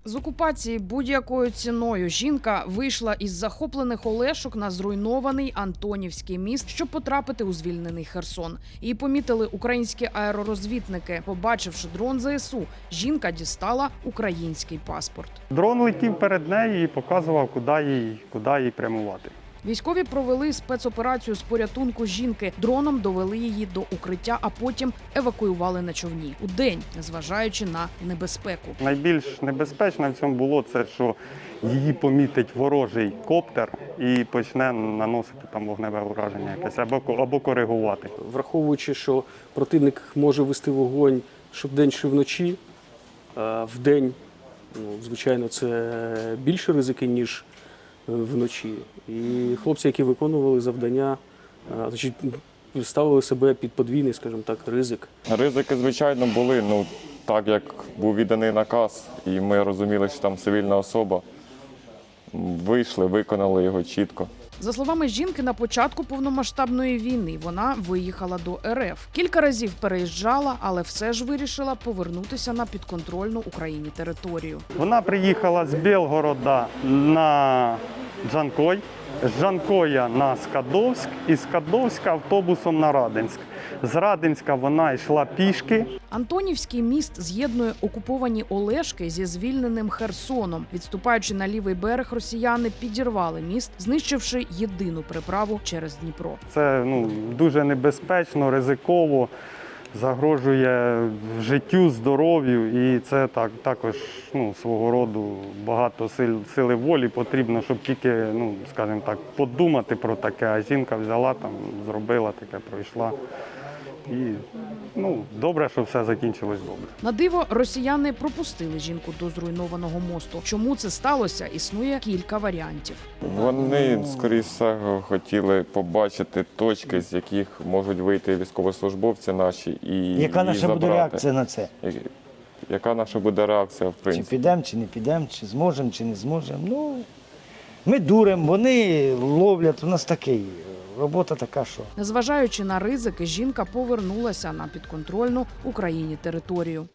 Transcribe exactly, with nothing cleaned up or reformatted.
З окупації будь-якою ціною жінка вийшла із захоплених Олешок на зруйнований Антонівський міст, щоб потрапити у звільнений Херсон. Її помітили українські аеророзвідники. Побачивши дрон зе ес у, жінка дістала український паспорт. Дрон летів перед нею і показував, куди їй, куди їй прямувати. Військові провели спецоперацію з порятунку жінки. Дроном довели її до укриття, а потім евакуювали на човні. Удень, незважаючи на небезпеку. Найбільш небезпечно в цьому було це, що її помітить ворожий коптер і почне наносити там вогневе ураження якесь або, або коригувати. Враховуючи, що противник може вести вогонь що вдень, що вночі, вдень, ну, звичайно, це більше ризики, ніж вночі. І хлопці, які виконували завдання, значить, ставили себе під подвійний, скажімо так, ризик. Ризики, звичайно, були. Ну, так як був відданий наказ, і ми розуміли, що там цивільна особа, вийшли, виконали його чітко. За словами жінки, на початку повномасштабної війни вона виїхала до ер еф. Кілька разів переїжджала, але все ж вирішила повернутися на підконтрольну Україні територію. Вона приїхала з Білгорода на Джанкой, з Джанкоя на Скадовськ і з Скадовська автобусом на Радинськ. З Радинська вона йшла пішки. Антонівський міст з'єднує окуповані Олешки зі звільненим Херсоном. Відступаючи на лівий берег, росіяни підірвали міст, знищивши єдину переправу через Дніпро. Це ну, дуже небезпечно, ризиково, загрожує життю, здоров'ю. І це так, також ну, свого роду багато сил, сили волі потрібно, щоб тільки, ну, скажімо так, подумати про таке. А жінка взяла, там, зробила таке, пройшла. І ну, добре, що все закінчилось добре. На диво, росіяни пропустили жінку до зруйнованого мосту. Чому це сталося, існує кілька варіантів. Вони, скоріше всього, хотіли побачити точки, з яких можуть вийти військовослужбовці наші і Яка наша забрати. буде реакція на це? Яка наша буде реакція, в Чи принципі. підемо, чи не підемо, чи зможемо, чи не зможемо. Ну, ми дуримо, вони ловлять, у нас такий, робота така, що. Незважаючи на ризики, жінка повернулася на підконтрольну Україні територію.